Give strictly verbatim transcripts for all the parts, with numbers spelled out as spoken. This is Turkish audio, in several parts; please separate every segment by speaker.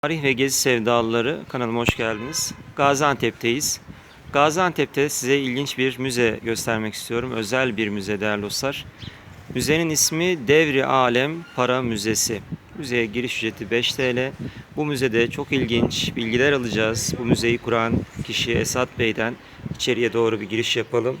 Speaker 1: Tarih ve gezi sevdalıları kanalıma hoş geldiniz. Gaziantep'teyiz. Gaziantep'te size ilginç bir müze göstermek istiyorum. Özel bir müze değerli dostlar. Müzenin ismi Devri Alem Para Müzesi. Müzeye giriş ücreti beş T L. Bu müzede çok ilginç bilgiler alacağız. Bu müzeyi kuran kişi Esat Bey'den içeriye doğru bir giriş yapalım.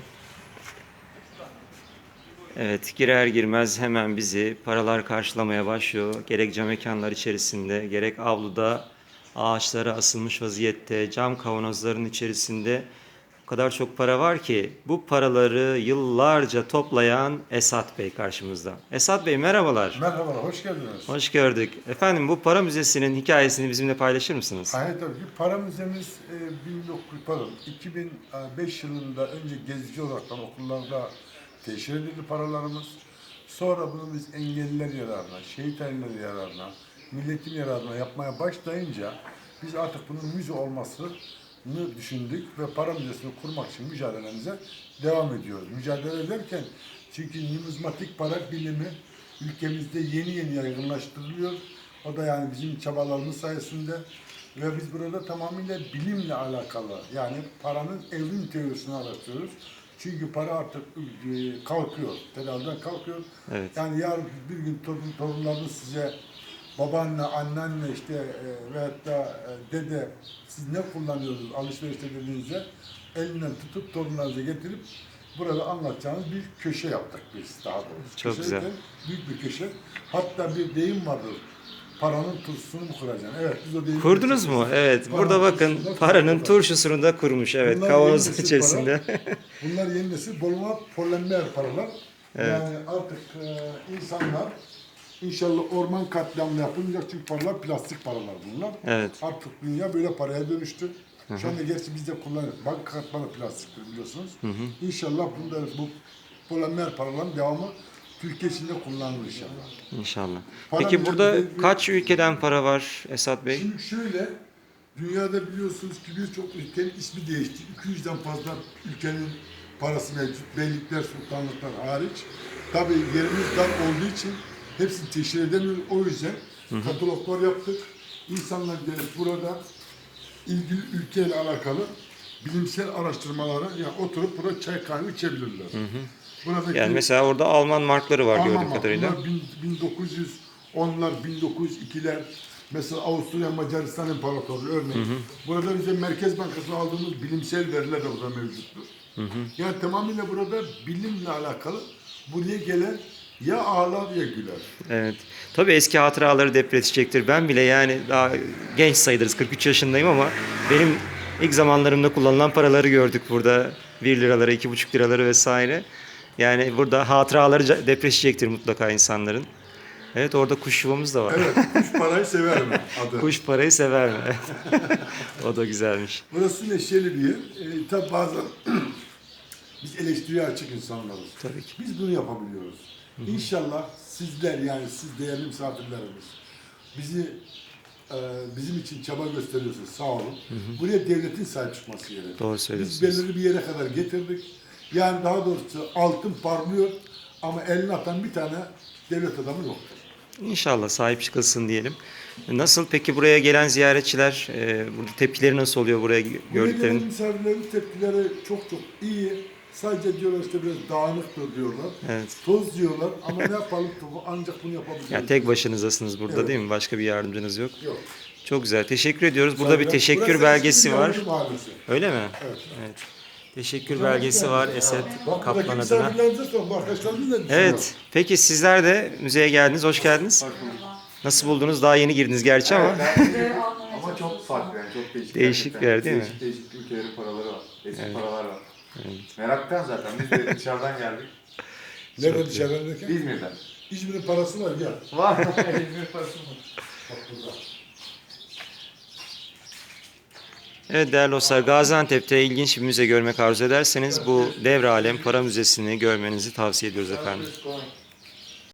Speaker 1: Evet, girer girmez hemen bizi paralar karşılamaya başlıyor. Gerek cam mekanlar içerisinde, gerek avluda ağaçlara asılmış vaziyette, cam kavanozların içerisinde o kadar çok para var ki bu paraları yıllarca toplayan Esat Bey karşımızda. Esat Bey merhabalar.
Speaker 2: Merhabalar, hoş geldiniz.
Speaker 1: Hoş gördük. Efendim bu para müzesinin hikayesini bizimle paylaşır mısınız?
Speaker 2: Hayır tabii ki. Para müzemiz e, bin dokuz yüz, pardon, iki bin beş yılında önce gezici olarak okullarda teşhir edildi paralarımız. Sonra bunu biz engelliler yararına, şehit aileleri yararına, milletin yararına yapmaya başlayınca biz artık bunun müze olmasını düşündük ve para müzesini kurmak için mücadelemize devam ediyoruz. Mücadele ederken çünkü numizmatik para bilimi ülkemizde yeni yeni yaygınlaştırılıyor. O da yani bizim çabalarımız sayesinde ve biz burada tamamıyla bilimle alakalı yani paranın evrim teorisini araştırıyoruz. Çünkü para artık e, kalkıyor, tedaviden kalkıyor.
Speaker 1: Evet.
Speaker 2: Yani yarın bir gün torun, torunlarınız size babaanne, anneanne işte e, veyahut da e, dede siz ne kullanıyorsunuz alışverişte dediğinizde elinden tutup torunlarınıza getirip burada anlatacağınız bir köşe yaptık biz daha doğrusu.
Speaker 1: Çok
Speaker 2: Köşe
Speaker 1: güzel.
Speaker 2: de büyük bir köşe. Hatta bir deyim vardır. Paranın turşusunu mu kuracaksın? Evet biz o deyimi
Speaker 1: Kurdunuz mu? Evet.
Speaker 2: Paranın
Speaker 1: Burada bakın
Speaker 2: turşusunu da
Speaker 1: paranın
Speaker 2: kurduk.
Speaker 1: turşusunu da kurmuş. Evet.
Speaker 2: Bunlar
Speaker 1: Kavanozun
Speaker 2: yeni nesil
Speaker 1: içerisinde.
Speaker 2: Bunlar yeni nesil boluma polenler paralar.
Speaker 1: Evet.
Speaker 2: Yani artık e, insanlar inşallah orman katliamı yapılmayacak çünkü paralar plastik paralar bunlar.
Speaker 1: Evet.
Speaker 2: Artık dünya böyle paraya dönüştü. Şu anda gerçi biz de kullanıyoruz. Banka kartları plastiktir biliyorsunuz. Hı hı. İnşallah bunda bu polenler paraların devamı Türkiye içinde kullanılır inşallah.
Speaker 1: İnşallah.
Speaker 2: Para
Speaker 1: Peki burada
Speaker 2: müzesi-
Speaker 1: kaç ülkeden para var Esat Bey?
Speaker 2: Şimdi şöyle, dünyada biliyorsunuz ki birçok ülkenin ismi değişti. iki yüzden fazla ülkenin parası mevcut. Beylikler, sultanlıklar hariç. Tabii yerimiz dar olduğu için hepsini teşhir edemiyoruz. O yüzden kataloglar yaptık. İnsanlar gelip burada ilgili ülkeyle alakalı bilimsel araştırmalara yani oturup burada çay kahve içebilirler. Hı hı. Buradaki
Speaker 1: Yani mesela orada Alman markları var
Speaker 2: Alman
Speaker 1: gördüğüm
Speaker 2: var.
Speaker 1: kadarıyla.
Speaker 2: Bunlar bin, bin dokuz yüz onlar, bin dokuz yüz ikiler. Mesela Avusturya Macaristan İmparatorluğu örneğin. Hı hı. Burada bize Merkez Bankası'na aldığımız bilimsel veriler de burada mevcuttur. Hı hı. Yani tamamıyla burada bilimle alakalı buraya gelen ya ağlar ya güler.
Speaker 1: Evet. Tabii eski hatıraları depreşecektir. Ben bile yani daha genç sayılırız. kırk üç yaşındayım ama benim ilk zamanlarımda kullanılan paraları gördük burada. bir liraları, iki buçuk liraları vesaire. Yani burada hatıraları depreşecektir mutlaka insanların. Evet, orada kuş yuvamız da var.
Speaker 2: Evet, kuş parayı sever mi adı?
Speaker 1: Kuş parayı sever mi? O da güzelmiş.
Speaker 2: Burası neşeli bir yer. E, tabi bazen biz eleştiriye açık insanlarız.
Speaker 1: Tabii ki.
Speaker 2: Biz bunu yapabiliyoruz. Hı hı. İnşallah sizler yani siz değerli misafirlerimiz bizi e, bizim için çaba gösteriyorsunuz. Sağ olun. Hı hı. Buraya devletin sahip çıkması gerekiyor.
Speaker 1: Doğru söylüyorsunuz.
Speaker 2: Biz belirli bir yere kadar getirdik. Yani daha doğrusu altın parlıyor ama eline atan bir tane devlet adamı yoktur.
Speaker 1: İnşallah sahip çıkılsın diyelim. Nasıl peki buraya gelen ziyaretçiler, e, burada tepkileri nasıl oluyor buraya
Speaker 2: Buraya
Speaker 1: gördüklerinin?
Speaker 2: gelen misafirlerin tepkileri çok çok iyi. Sadece diyorlar işte biraz dağınıktır diyorlar.
Speaker 1: Evet.
Speaker 2: Toz diyorlar ama ne yapalım ancak bunu yapabiliriz.
Speaker 1: Yani tek başınızdasınız burada
Speaker 2: Evet.
Speaker 1: değil mi? Başka bir yardımcınız yok.
Speaker 2: Yok.
Speaker 1: Çok güzel. Teşekkür ediyoruz. Burada bir
Speaker 2: Burası
Speaker 1: teşekkür
Speaker 2: eski
Speaker 1: belgesi
Speaker 2: bir
Speaker 1: var.
Speaker 2: Yahudi mahallesi.
Speaker 1: Öyle mi?
Speaker 2: Evet.
Speaker 1: Evet. Teşekkür belgesi var Esat
Speaker 2: Bak
Speaker 1: Kaplan
Speaker 2: buradaki
Speaker 1: adına.
Speaker 2: misafirlerimize sorun. Bu arkadaşlarımız da
Speaker 1: Evet. Peki sizler de müzeye geldiniz. Hoş geldiniz. Nasıl buldunuz? Daha yeni girdiniz gerçi ama.
Speaker 3: Ama çok farklı yani çok değişik.
Speaker 1: Değişik
Speaker 3: gerçekten.
Speaker 1: bir yer değil mi?
Speaker 3: Değişik değişik ülkelerin paraları var. Eski
Speaker 1: Evet.
Speaker 3: paralar var.
Speaker 1: Evet.
Speaker 3: Meraktan zaten biz de dışarıdan geldik.
Speaker 2: Nerede dışarıdan derken?
Speaker 3: İzmir'den.
Speaker 2: İzmir'in parası var ya.
Speaker 3: Var. İzmir parası mı?
Speaker 2: Bak burada.
Speaker 1: Evet değerli dostlar, Gaziantep'te ilginç bir müze görmek arzu ederseniz bu Devre Alem Para Müzesi'ni görmenizi tavsiye ediyoruz efendim.
Speaker 3: Let's go.